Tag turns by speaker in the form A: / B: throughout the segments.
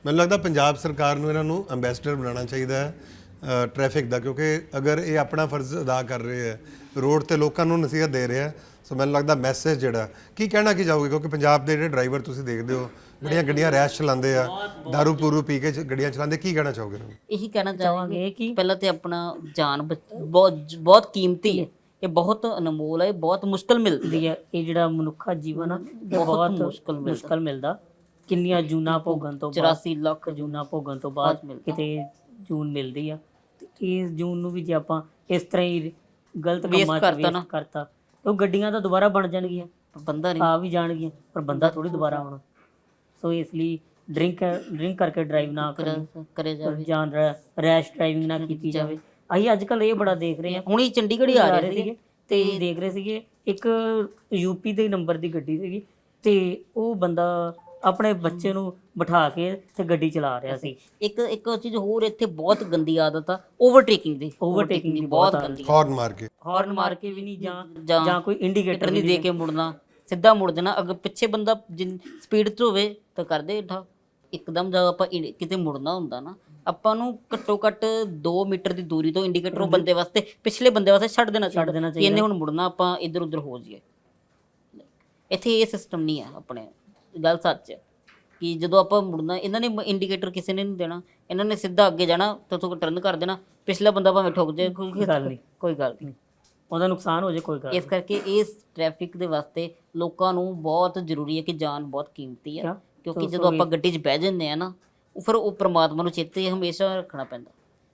A: ਮੈਨੂੰ ਲੱਗਦਾ ਪੰਜਾਬ ਸਰਕਾਰ ਨੂੰ ਇਹਨਾਂ ਨੂੰ ਅੰਬੈਸਡਰ ਬਣਾਉਣਾ ਚਾਹੀਦਾ ਹੈ ਟ੍ਰੈਫਿਕ ਦਾ, ਕਿਉਂਕਿ ਅਗਰ ਇਹ ਆਪਣਾ ਫਰਜ਼ ਅਦਾ ਕਰ ਰਹੇ ਹੈ, ਰੋਡ ਤੇ ਲੋਕਾਂ ਨੂੰ ਨਸੀਹਤ ਦੇ ਰਹੇ ਹੈ, ਸੋ ਮੈਨੂੰ ਲੱਗਦਾ ਮੈਸੇਜ ਜਿਹੜਾ ਕੀ ਕਹਿਣਾ ਕੀ ਚਾਹੋਗੇ, ਕਿਉਂਕਿ ਪੰਜਾਬ ਦੇ ਜਿਹੜੇ ਡਰਾਈਵਰ ਤੁਸੀਂ ਦੇਖਦੇ ਹੋ ਬੜੀਆਂ ਗੱਡੀਆਂ ਰੈਸ਼ ਚਲਾਉਂਦੇ ਆ, ਦਾਰੂ ਪੂਰੂ ਪੀ ਕੇ ਗੱਡੀਆਂ ਚਲਾਉਂਦੇ, ਕੀ ਕਹਿਣਾ ਚਾਹੋਗੇ ਇਹਨਾਂ ਨੂੰ?
B: ਇਹੀ ਕਹਿਣਾ ਚਾਹਾਂਗੇ ਕਿ ਪਹਿਲਾਂ ਤੇ ਆਪਣਾ ਜਾਨ ਬਹੁਤ ਬਹੁਤ ਕੀਮਤੀ ਹੈ, ਇਹ ਬਹੁਤ ਅਨਮੋਲ ਹੈ, ਬਹੁਤ ਮੁਸ਼ਕਲ ਮਿਲਦੀ ਹੈ।
C: ਇਹ ਜਿਹੜਾ ਮਨੁੱਖਾ ਜੀਵਨ ਆ
B: ਬਹੁਤ
C: ਮੁਸ਼ਕਲ ਮਿਲਦਾ। ਕਿੰਨੀਆਂ ਜੂਨਾਂ ਭੋਗਣ ਤੋਂ
B: 84 ਲੱਖ
C: ਜੂਨਾਂ ਭੋਗਣ ਤੋਂ ਬਾਅਦ ਕਿਤੇ ਜੂਨ ਮਿਲਦੀ ਆ, ਤੇ ਇਸ ਜੂਨ ਨੂੰ ਵੀ ਜੇ ਆਪਾਂ ਇਸ ਤਰ੍ਹਾਂ ਹੀ ਗਲਤ ਕੰਮਾਂ 'ਚ ਵੇਸਟ ਕਰਤਾ ਤਾਂ ਉਹ ਗੱਡੀਆਂ ਤਾਂ ਦੁਬਾਰਾ ਬਣ ਜਾਣਗੀਆਂ,
B: ਬੰਦਾ ਨਹੀਂ
C: ਆ ਵੀ ਜਾਣਗੀਆਂ, ਪਰ ਬੰਦਾ ਥੋੜੀ ਦੁਬਾਰਾ ਆਉਣਾ। ਸੋ ਇਸ ਲਈ ਡਰਿੰਕ ਕਰਕੇ ਡਰਾਈਵ ਨਾ
B: ਕਰੇ ਜਾਵੇ
C: ਜਾਂ ਰੈਸ਼ ਡਰਾਈਵਿੰਗ ਨਾ ਕੀਤੀ ਜਾਵੇ। ਅਸੀਂ ਅੱਜ ਕੱਲ੍ਹ ਇਹ ਬੜਾ ਦੇਖ ਰਹੇ ਹਾਂ,
B: ਹੁਣੀ ਚੰਡੀਗੜ੍ਹ ਹੀ ਆ ਰਹੇ ਸੀਗੇ
C: ਤੇ ਦੇਖ ਰਹੇ ਸੀਗੇ ਇੱਕ ਯੂਪੀ ਦੇ ਨੰਬਰ ਦੀ ਗੱਡੀ ਸੀਗੀ, ਤੇ ਉਹ ਬੰਦਾ ਆਪਣੇ ਬੱਚੇ ਨੂੰ ਬਿਠਾ ਕੇ ਤੇ ਗੱਡੀ ਚਲਾ ਰਿਹਾ ਸੀ।
B: ਇੱਕ ਚੀਜ਼ ਹੋਰ ਇੱਥੇ ਬਹੁਤ ਗੰਦੀ ਆਦਤ ਆ, ਓਵਰਟੇਕਿੰਗ ਦੀ ਬਹੁਤ ਗੰਦੀ।
A: ਹਾਰਨ
C: ਮਾਰ ਕੇ ਵੀ ਨਹੀਂ, ਜਾਂ ਕੋਈ ਇੰਡੀਕੇਟਰ
B: ਨਹੀਂ ਦੇ ਕੇ ਮੁੜਨਾ, ਸਿੱਧਾ ਮੁੜ ਜਾਣਾ। ਅਗਰ ਪਿੱਛੇ ਬੰਦਾ ਸਪੀਡ 'ਚ ਹੋਵੇ ਤਾਂ ਕਰਦੇ ਠਾ ਇੱਕਦਮ। ਜਦੋਂ ਆਪਾਂ ਕਿਤੇ ਮੁੜਨਾ ਹੁੰਦਾ ਨਾ, ਆਪਾਂ ਨੂੰ ਘੱਟੋ ਘੱਟ 2 ਮੀਟਰ ਦੀ ਦੂਰੀ ਤੋਂ ਇੰਡੀਕੇਟਰ ਉਹ ਬੰਦੇ ਵਾਸਤੇ, ਪਿਛਲੇ ਬੰਦੇ ਵਾਸਤੇ ਛੱਡ ਦੇਣਾ ਚਾਹੀਦਾ ਕਿ ਇਹਨੇ ਹੁਣ ਮੁੜਨਾ, ਆਪਾਂ ਇੱਧਰ ਉੱਧਰ ਹੋ ਜਾਈਏ। ਇੱਥੇ ਇਹ ਸਿਸਟਮ ਨਹੀਂ ਆ ਆਪਣੇ। ਗੱਲ ਸੱਚ ਹੈ ਕਿ ਜਦੋਂ ਆਪਾਂ ਮੁੜਨਾ, ਇਹਨਾਂ ਨੇ ਇੰਡੀਕੇਟਰ ਕਿਸੇ ਨੇ ਨਹੀਂ ਦੇਣਾ, ਇਹਨਾਂ ਨੇ ਸਿੱਧਾ ਅੱਗੇ ਜਾਣਾ ਤੇ ਉੱਥੋਂ ਟਰਨ ਕਰ ਦੇਣਾ। ਪਿਛਲਾ ਬੰਦਾ ਭਾਵੇਂ ਠੁੱਕ ਜਾਏ, ਕੋਈ ਗੱਲ ਨਹੀਂ,
C: ਉਹਦਾ ਨੁਕਸਾਨ ਹੋ ਜਾਏ, ਕੋਈ ਗੱਲ।
B: ਇਸ ਕਰਕੇ ਇਸ ਟ੍ਰੈਫਿਕ ਦੇ ਵਾਸਤੇ ਲੋਕਾਂ ਨੂੰ ਬਹੁਤ ਜ਼ਰੂਰੀ ਹੈ ਕਿ ਜਾਨ ਬਹੁਤ ਕੀਮਤੀ ਹੈ, ਕਿਉਂਕਿ ਜਦੋਂ ਆਪਾਂ ਗੱਡੀ 'ਚ ਬਹਿ ਜਾਂਦੇ ਆ ਨਾ, ਫਿਰ ਉਹ ਪ੍ਰਮਾਤਮਾ ਨੂੰ ਚੇਤੇ ਹਮੇਸ਼ਾ ਰੱਖਣਾ ਪੈਂਦਾ।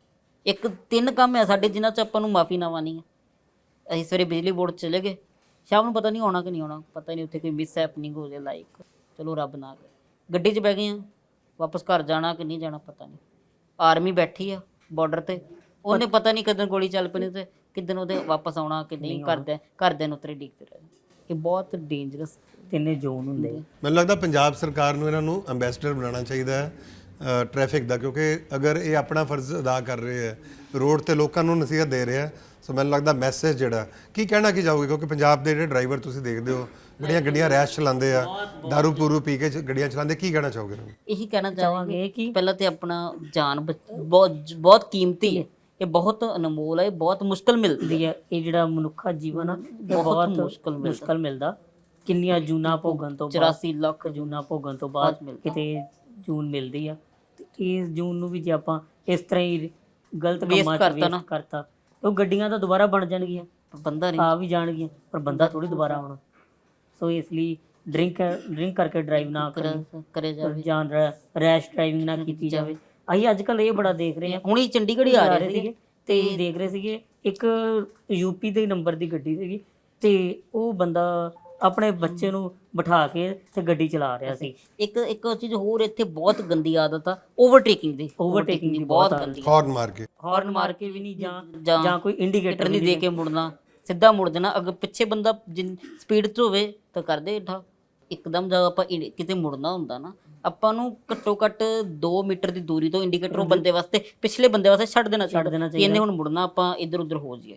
B: 3 ਕੰਮ ਹੈ ਸਾਡੇ ਜਿਨ੍ਹਾਂ 'ਚ ਆਪਾਂ ਨੂੰ ਮਾਫੀ ਨਾ ਮਾਨੀ ਹੈ। ਅਸੀਂ ਸਵੇਰੇ ਬਿਜਲੀ ਬੋਰਡ ਚਲੇ ਗਏ, ਸ਼ਾਮ ਨੂੰ ਪਤਾ ਨਹੀਂ ਆਉਣਾ ਕਿ ਨਹੀਂ ਆਉਣਾ, ਪਤਾ ਨਹੀਂ ਉੱਥੇ ਕੋਈ ਮਿਸ ਹੈਪਨਿੰਗ ਹੋ ਜਾਏ, ਲਾਈਕ ਚਲੋ ਰੱਬ ਨਾ ਕਰੇ। ਗੱਡੀ 'ਚ ਬਹਿ ਗਏ ਆ, ਵਾਪਸ ਘਰ ਜਾਣਾ ਕਿ ਨਹੀਂ ਜਾਣਾ ਪਤਾ ਨਹੀਂ। ਆਰਮੀ ਬੈਠੀ ਆ ਬਾਰਡਰ ਤੇ, ਉਹਨੇ ਪਤਾ ਨਹੀਂ ਕਦੋਂ ਗੋਲੀ ਚੱਲ ਪੈਣੀ ਤੇ ਕਿੱਦਣ ਉਹਦੇ ਵਾਪਸ ਆਉਣਾ ਕਿ ਨਹੀਂ। ਘਰਦਿਆਂ ਨੂੰ ਉੱਤਰੇ ਡਿੱਗਦੇ ਰਹੇ। ਇਹ ਬਹੁਤ ਡੇਂਜਰਸ
C: 3 ਜ਼ੋਨ ਹੁੰਦੇ।
A: ਮੈਨੂੰ ਲੱਗਦਾ ਪੰਜਾਬ ਸਰਕਾਰ ਨੂੰ ਇਹਨਾਂ ਨੂੰ ਅੰਬੈਸਡਰ ਬਣਾਉਣਾ ਚਾਹੀਦਾ ਹੈ ਟ੍ਰੈਫਿਕ ਦਾ, ਕਿਉਂਕਿ ਅਗਰ ਇਹ ਆਪਣਾ ਫਰਜ਼ ਅਦਾ ਕਰ ਰਹੇ ਹੈ, ਰੋਡ ਤੇ ਲੋਕਾਂ ਨੂੰ ਨਸੀਹਤ ਦੇ ਰਹੇ ਹੈ, ਸੋ ਮੈਨੂੰ ਲੱਗਦਾ ਮੈਸੇਜ ਜਿਹੜਾ ਕੀ ਕਹਿਣਾ ਕੀ ਚਾਹੋਗੇ, ਕਿਉਂਕਿ ਪੰਜਾਬ ਦੇ ਜਿਹੜੇ ਡਰਾਈਵਰ ਤੁਸੀਂ ਦੇਖਦੇ ਹੋ ਬੜੀਆਂ ਗੱਡੀਆਂ ਰੈਸ਼ ਚਲਾਉਂਦੇ ਆ, ਦਾਰੂ ਪੂਰੂ ਪੀ ਕੇ ਗੱਡੀਆਂ ਚਲਾਉਂਦੇ, ਕੀ ਕਹਿਣਾ ਚਾਹੋਗੇ ਇਹਨਾਂ ਨੂੰ?
B: ਇਹੀ ਕਹਿਣਾ ਚਾਹਾਂਗੇ ਕਿ ਪਹਿਲਾਂ ਤੇ ਆਪਣਾ ਜਾਨ ਬਹੁਤ ਕੀਮਤੀ ਹੈ, ਇਹ ਬਹੁਤ ਅਨਮੋਲ ਹੈ, ਬਹੁਤ ਮੁਸ਼ਕਲ ਮਿਲਦੀ ਹੈ।
C: ਇਹ ਜਿਹੜਾ ਮਨੁੱਖਾ ਜੀਵਨ ਆ ਬਹੁਤ ਮੁਸ਼ਕਲ ਮਿਲਦਾ। ਕਿੰਨੀਆਂ ਜੂਨਾਂ ਭੋਗਣ ਤੋਂ
B: 84 ਲੱਖ
C: ਜੂਨਾਂ ਭੋਗਣ ਤੋਂ ਬਾਅਦ ਕਿਤੇ ਜੂਨ ਮਿਲਦੀ ਆ, ਤੇ ਇਸ ਜੂਨ ਨੂੰ ਵੀ ਜੇ ਆਪਾਂ ਇਸ ਤਰ੍ਹਾਂ ਹੀ ਗਲਤ ਕੰਮਾਂ 'ਚ ਵੇਸਟ ਕਰਤਾ ਤਾਂ ਉਹ ਗੱਡੀਆਂ ਤਾਂ ਦੁਬਾਰਾ ਬਣ ਜਾਣਗੀਆਂ,
B: ਬੰਦਾ ਨਹੀਂ,
C: ਆ ਵੀ ਜਾਣਗੀਆਂ, ਪਰ ਬੰਦਾ ਥੋੜੀ ਦੁਬਾਰਾ ਆਉਣਾ। ਸੋ ਇਸ ਲਈ ਡਰਿੰਕ ਕਰਕੇ ਡਰਾਈਵ ਨਾ
B: ਕਰੇ ਜਾਵੇ,
C: ਜਾਂ ਰੈਸ਼ ਡਰਾਈਵਿੰਗ ਨਾ ਕੀਤੀ ਜਾਵੇ। ਅਸੀਂ ਅੱਜ ਕੱਲ੍ਹ ਇਹ ਬੜਾ ਦੇਖ ਰਹੇ ਹਾਂ,
B: ਹੁਣੀ ਚੰਡੀਗੜ੍ਹ ਹੀ ਆ ਰਹੇ ਸੀਗੇ
C: ਤੇ ਦੇਖ ਰਹੇ ਸੀਗੇ ਇੱਕ ਯੂਪੀ ਦੇ ਨੰਬਰ ਦੀ ਗੱਡੀ ਸੀਗੀ, ਤੇ ਉਹ ਬੰਦਾ ਆਪਣੇ ਬੱਚੇ ਨੂੰ ਬਿਠਾ ਕੇ ਤੇ ਗੱਡੀ ਚਲਾ ਰਿਹਾ ਸੀ।
B: ਇੱਕ ਚੀਜ਼ ਹੋਰ ਇੱਥੇ ਬਹੁਤ ਗੰਦੀ ਆਦਤ ਆ, ਓਵਰਟੇਕਿੰਗ ਦੀ ਬਹੁਤ ਗੰਦੀ।
A: ਹਾਰਨ
C: ਮਾਰ ਕੇ ਵੀ ਨਹੀਂ, ਜਾਂ ਕੋਈ ਇੰਡੀਕੇਟਰ
B: ਨਹੀਂ ਦੇ ਕੇ ਮੁੜਨਾ, ਸਿੱਧਾ ਮੁੜ ਜਾਣਾ। ਅਗਰ ਪਿੱਛੇ ਬੰਦਾ ਸਪੀਡ 'ਚ ਹੋਵੇ ਤਾਂ ਕਰਦੇ ਠਾ ਇੱਕਦਮ। ਜਦੋਂ ਆਪਾਂ ਕਿਤੇ ਮੁੜਨਾ ਹੁੰਦਾ ਨਾ, ਆਪਾਂ ਨੂੰ ਘੱਟੋ ਘੱਟ 2 ਮੀਟਰ ਦੀ ਦੂਰੀ ਤੋਂ ਇੰਡੀਕੇਟਰ ਉਹ ਬੰਦੇ ਵਾਸਤੇ, ਪਿਛਲੇ ਬੰਦੇ ਵਾਸਤੇ ਛੱਡ ਦੇਣਾ ਚਾਹੀਦਾ ਕਿ ਇਹਨੇ ਹੁਣ ਮੁੜਨਾ, ਆਪਾਂ ਇੱਧਰ ਉੱਧਰ ਹੋ ਜਾਈਏ।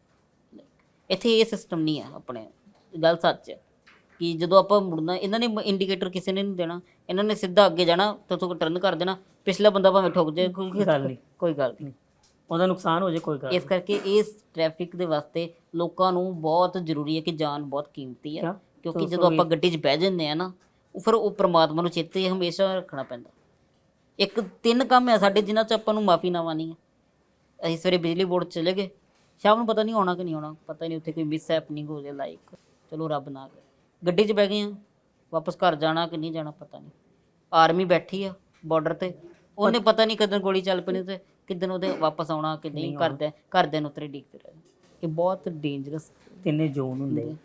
B: ਇੱਥੇ ਇਹ ਸਿਸਟਮ ਨਹੀਂ ਆ ਆਪਣੇ। ਗੱਲ ਸੱਚ ਹੈ ਕਿ ਜਦੋਂ ਆਪਾਂ ਮੁੜਨਾ, ਇਹਨਾਂ ਨੇ ਇੰਡੀਕੇਟਰ ਕਿਸੇ ਨੇ ਨਹੀਂ ਦੇਣਾ, ਇਹਨਾਂ ਨੇ ਸਿੱਧਾ ਅੱਗੇ ਜਾਣਾ ਤੇ ਉੱਥੋਂ ਟਰਨ ਕਰ ਦੇਣਾ। ਪਿਛਲਾ ਬੰਦਾ ਭਾਵੇਂ ਠੁੱਕ ਜਾਏ, ਕੋਈ ਗੱਲ ਨਹੀਂ,
C: ਉਹਦਾ ਨੁਕਸਾਨ ਹੋ ਜਾਏ, ਕੋਈ ਗੱਲ।
B: ਇਸ ਕਰਕੇ ਇਸ ਟ੍ਰੈਫਿਕ ਦੇ ਵਾਸਤੇ ਲੋਕਾਂ ਨੂੰ ਬਹੁਤ ਜ਼ਰੂਰੀ ਹੈ ਕਿ ਜਾਨ ਬਹੁਤ ਕੀਮਤੀ ਹੈ, ਕਿਉਂਕਿ ਜਦੋਂ ਆਪਾਂ ਗੱਡੀ 'ਚ ਬਹਿ ਜਾਂਦੇ ਆ ਨਾ, ਫਿਰ ਉਹ ਪ੍ਰਮਾਤਮਾ ਨੂੰ ਚੇਤੇ ਹਮੇਸ਼ਾ ਰੱਖਣਾ ਪੈਂਦਾ। 3 ਕੰਮ ਹੈ ਸਾਡੇ ਜਿਨ੍ਹਾਂ 'ਚ ਆਪਾਂ ਨੂੰ ਮਾਫੀ ਨਾ ਮਾਨੀ ਹੈ। ਅਸੀਂ ਸਵੇਰੇ ਬਿਜਲੀ ਬੋਰਡ ਚਲੇ ਗਏ, ਸ਼ਾਮ ਨੂੰ ਪਤਾ ਨਹੀਂ ਆਉਣਾ ਕਿ ਨਹੀਂ ਆਉਣਾ, ਪਤਾ ਨਹੀਂ ਉੱਥੇ ਕੋਈ ਮਿਸ ਹੈਪਨਿੰਗ ਹੋ ਜਾਏ, ਲਾਈਕ ਚਲੋ ਰੱਬ ਨਾ ਕਰੇ। ਗੱਡੀ 'ਚ ਬਹਿ ਗਏ ਆ, ਵਾਪਸ ਘਰ ਜਾਣਾ ਕਿ ਨਹੀਂ ਜਾਣਾ ਪਤਾ ਨਹੀਂ। ਆਰਮੀ ਬੈਠੀ ਆ ਬਾਰਡਰ ਤੇ, ਉਹਨੇ ਪਤਾ ਨਹੀਂ ਕਦੋਂ ਗੋਲੀ ਚੱਲ ਪੈਣੀ ਤੇ ਕਿੱਦਣ ਉਹਦੇ ਵਾਪਸ ਆਉਣਾ ਕਿ ਨਹੀਂ। ਘਰਦਿਆਂ ਨੂੰ ਉੱਤਰੇ ਡਿੱਗਦੇ ਰਹੇ। ਇਹ ਬਹੁਤ ਡੇਂਜਰਸ
C: 3 ਜ਼ੋਨ ਹੁੰਦੇ।